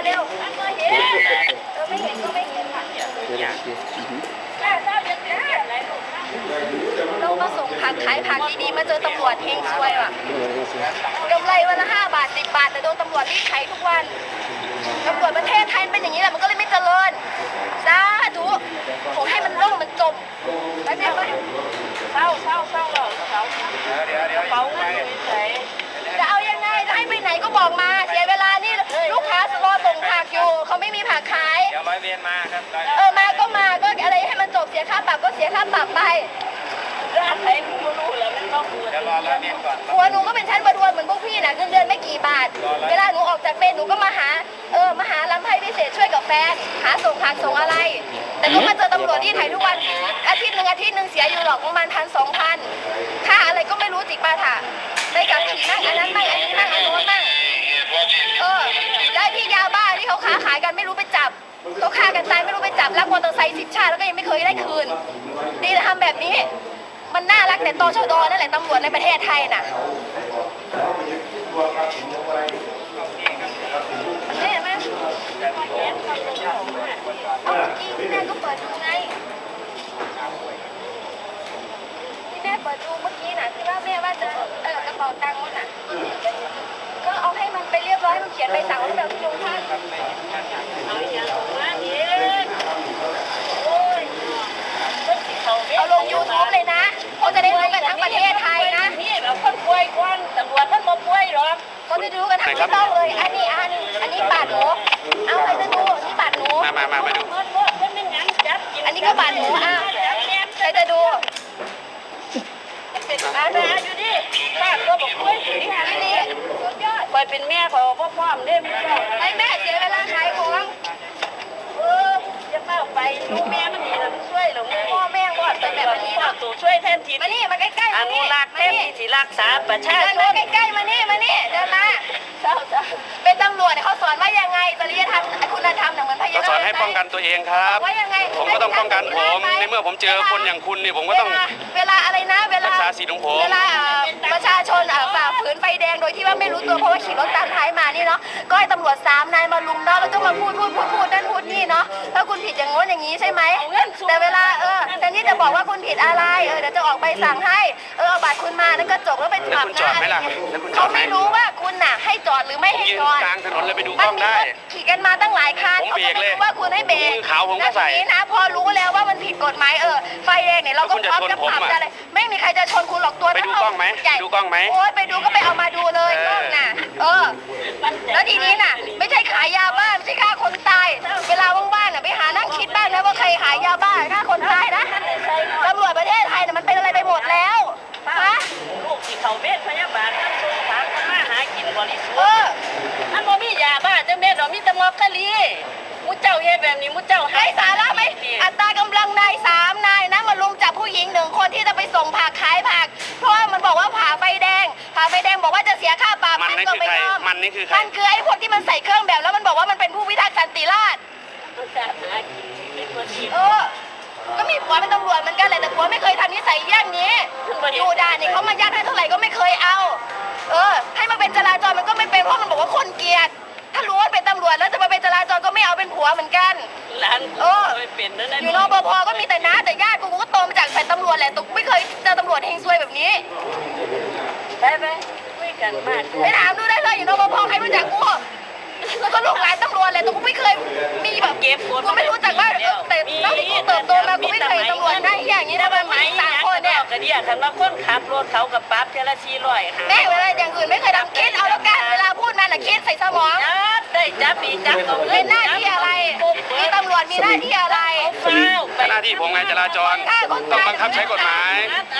เร็วๆไม่เห็นไม่เห็นก็ไม่เห็นค่ะเรามาส่งผักขายผักดีๆมาเจอตำรวจเฮงซวยว่ะกำไรวันละ5 บาท10 บาทแต่โดนตำรวจรีดไถทุกวันตำรวจประเทศไทยเป็นอย่างนี้แหละมันก็เลยไม่เจริญสาธุผมให้มันล่มมันจมไปเศร้าเป๋าเงินเฉยจะเอายังไงจะให้ไปไหนก็บอกมาเสียเวลานี่ลูกค้ารอส่งผักอยู่เขาไม่มีผักขายเดี๋ยวร้อยเวรมาครับมาก็อะไรให้มันจบเสียค่าปรับก็เสียค่าปรับไปร้านไหนกูรู้แล้วมันต้องกูจะรอร้อยเวรก่อนหัวหนูก็เป็นชั้นประทวนเหมือนพวกพี่น่ะเงินเดือนไม่กี่บาทเวลาหนูออกจากเวรหนูก็มาหาลำไพ่พิเศษช่วยกับแฟนหาส่งผักส่งอะไรแต่ก็มาเจอตำรวจที่ไทยทุกวันอาทิตย์หนึ่งเสียอยู่หรอกประมาณ1,000-2,000ค่าอะไรก็ไม่รู้จิกปาถะไปกับขี่นั่งอันนั้นนั่งอันนี้นั่งอันโน้นนั่งได้ที่ยาบ้าที่เขาค้าขายกันไม่รู้ไปจับเขาฆ่ากันตายไม่รู้ไปจับลักมอเตอร์ไซค์10 ชาติแล้วก็ยังไม่เคยได้คืนดีนะทำแบบนี้มันน่ารักแต่ตชด.นั่นแหละตำรวจในประเทศไทยน่ะเนี่ยมั้ยที่แม่ก็เปิดดูไงที่แม่เปิดดูเมื่อกี้น่ะที่ว่าแม่ว่าจะกระเป๋าตังค์น่ะก็เอาให้มันไปเรียบร้อยมันเขียนใบสั่งไว้แบบที่โรงพักเอาอย่างมาเนี่ยเอาลง YouTube เลยนะเขาจะได้รู้กันทั้งประเทศไทยนะนี่แบบคนป่วยก่อนตำรวจท่านมาป่วยหรอกเขาจะรู้กันทั้งประเทศเลยอันนี้บาดหนูเอาใครจะดูนี่บาดหนูมาดูอันนี้ก็บาดหนูใครจะดูมาอยู่ดิป้าก็บอกป่วยนี่ฮะนี่สุดยอดไปเป็นแม่ของพ่อมได้ไม่แม่เสียเวลาขายของจะเป้าไปลูกแม่มันดีแล้วช่วยหรอพ่อแม่ก็เป็นแบบนี้เนาะตัวช่วยแทนทีมานี่มาใกล้ๆอนุรักษ์แทนทีที่รักษาประชาชนใกล้ๆมานี่เดินมาเป็นตำรวจเขาสอนว่ายังไงจริยธรรมคุณธรรมเหมือนพยาบาลสอนให้ป้องกันตัวเองครับว่ายังไงผมก็ต้องป้องกันผมในเมื่อผมเจอคนอย่างคุณนี่ผมก็ต้องเวลาอะไรนะเวลารักษาสิทธิ์ของผมเวลาประชาชนฝ่าฝืนไฟแดงโดยที่ว่าไม่รู้ตัวเพราะว่าขี่รถตามท้ายมานี่เนาะก็ให้ตำรวจ3 นายมาลุมเนาะแล้วก็มาพูดนั่นพูดนี่เนาะถ้าคุณผิดอย่างโน้นอย่างนี้ใช่ไหมแต่เวลาแต่นี่จะบอกว่าคุณผิดอะไรเดี๋ยวจะออกใบสั่งให้เอาบัตรคุณมานั่นก็จบแล้วไปปรับนะเขาไม่รู้ว่าคุณน่ะให้จอดหรือไม่ให้จอดกลางถนนเลยไปดูกล้องได้ขี่กันมาตั้งหลายคันเขาไม่รู้ว่าคุณให้เบรกขาวผมก็ใส่นะพอรู้แล้วว่ามันผิดกฎหมายไฟแดงเนี่ยเราก็พร้อมจะปรับอะไรไม่มีใครจะชนคุณหรอกตัวไปดูกล้องไหมดูกล้องไหมโอ๊ยไปดูก็ไปเอามาดูเลยกล้องน่ะแล้วทีนี้น่ะไม่ใช่ขายยาบ้าไม่ใช่ฆ่าคนตายเวลาว่างๆน่ะไปหานั่งคิดบ้างนะว่าใครขายยาบ้าฆ่าคนตายนะตำรวจประเทศไทยน่ะมันเป็นอะไรไปหมดแล้วฮะลูกที่เขาเวทพยาบาลทั้งสงสารก็มาหากินบริสุทธิ์อันบ่มียาบ้าจะเม็ดหรอมีตะมอกกะลีมุเจ้าเฮ็ดแบบนี้มุเจ้าให้สาระไหมอัตรากำลังนาย3 นายนะมาลุมจับผู้หญิง1 คนที่จะไปส่งผักขายผักเพราะว่ามันบอกว่าผ่าไฟแดงบอกว่าจะเสียค่าปรับมันก็ไม่ยอมมันนี่คือใครมันคือไอ้พวกที่มันใส่เครื่องแบบแล้วมันบอกว่ามันเป็นผู้พิทักษ์สันติราษฎร์ก็มีผัวเป็นตำรวจเหมือนกันแหละแต่ผัวไม่เคยทำนิสัยอย่างนี้อยู่ด่านนี่เขามายัดให้เท่าไหร่ก็ไม่เคยเอาให้มาเป็นจราจรมันก็ไม่เป็นเพราะมันบอกว่าคนเกลียดถ้ารู้ว่าเป็นตำรวจแล้วจะมาเป็นจราจรก็ไม่เอาเป็นผัวเหมือนกันร้านไม่เป็นนั่นอยู่นปภก็มีแต่น้าแต่ญาติกูก็โตมาจากแผ่นตำรวจแหละตุ๊กไม่เคยเจอตำรวจเฮงซวยแบบนี้ไปคุยกันมากไปถามดูได้เลยอยู่นปภใครรู้จักกูก็ลูกหลานตำรวจแหละตุ๊กไม่เคยมีแบบเก็บกูไม่รู้จักว่าแต่ตั้งแต่กูเติบโตมากูไม่เคยตำรวจได้อย่างนี้นะมันไม่3 คนเนี่ยกระเดียทันว่าคนขับรถเขากับปั๊บเทละ400 ค่ะแม่เวลาอย่างอื่นไม่เคยทำคิดเอาแล้วกันเวลาพูดมาน่ะคิดใส่สมองได้จับเป็นหน้าที่อะไรมีตำรวจมีหน้าที่อะไรหน้าที่ผมไงจราจรต้องบังคับใช้กฎหมาย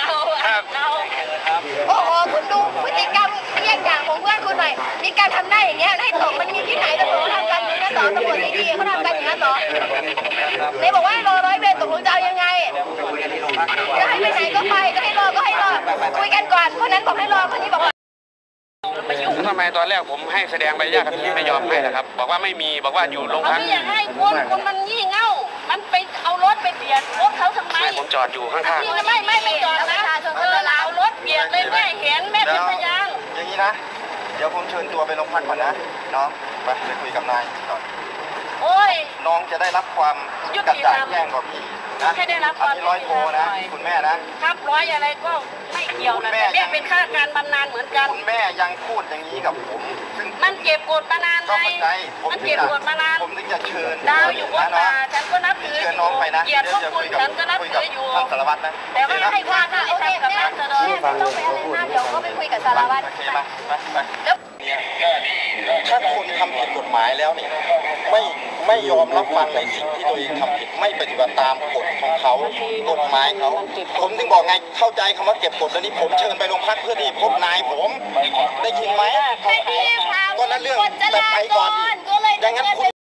โอ้โหคุณดูพฤติกรรมเยี่ยงอย่างของเพื่อนคุณหน่อยมีการทำได้อย่างเงี้ยให้ตกมันมีที่ไหนตำรวจทำกันอย่างนี้ต่อตำรวจดีๆเขาทำกันอย่างนี้ต่อเลยบอกว่ารอ100 เวรตกลงจะเอายังไงจะให้ไปไหนก็ไปก็ให้รอคุยกันก่อนคนนั้นบอกให้รอคนนี้บอกว่าทำไมตอนแรกผมให้แสดงใบอนุญาตขับขี่ไม่ยอมให้นะครับบอกว่าไม่มีบอกว่าอยู่โรงพักไม่อยากให้คนมันงี่เง่ามันไปเอารถไปเบียดรถเขาทำไมผมจอดอยู่ข้างๆไม่จอดนะเอารถเบียดเลยแม่เห็นแม่เป็นพยานอย่างนี้นะเดี๋ยวผมเชิญตัวไปโรงพักก่อนนะน้องไปคุยกับนายก่อนโอ้ยน้องจะได้รับความยุกระติจ่าธงรรมแจ้งกว่าพี่นะให้ได้รับความอันนี้ร้อยโทนะยุติธรรมหน่อยคุณแม่นะครับร้อยอะไรก็ไม่เกี่ยวนะแต่แม่เป็นข้าราชการบำนาญเหมือนกันคุณแม่ยังพูดอย่างนี้กับผมซึ่งมันเก็บกดมานานก็ไงเข้าใจผมมันถึงเก็บจะกดมานานผมถึงจะเชิญดาวอยู่บนนะตาฉันก็นับถือเชิญน้องไปนะเกียรติพวกคุณฉันก็นับคุยถืกับออยู่ท่านสารวัตรนะแต่ว่าให้ความยุติธรรมกับราษฎรแม่ไม่ต้องไปอะไรมากเดี๋ยวก็ไปคุยกับสารวัตรโอเคมาไปแล้วถ้าคนทำผิดกฎหมายแล้วเนี่ยไม่ยอมรับฟังในสิ่งที่ตัวเองทำผิดไม่ปฏิบัติตามกฎของเขากฎหมายเขาผมถึงบอกไงเข้าใจคำว่าเก็บกฎแล้วนี่ผมเชิญไปโรงพักเพื่อที่พบนายผมได้ยินไหมไม่ดีค่ะก็นั่นเรื่องกฎจแต่ราไปจก่อนรอีกก็เลยอย่างนั้นคุณ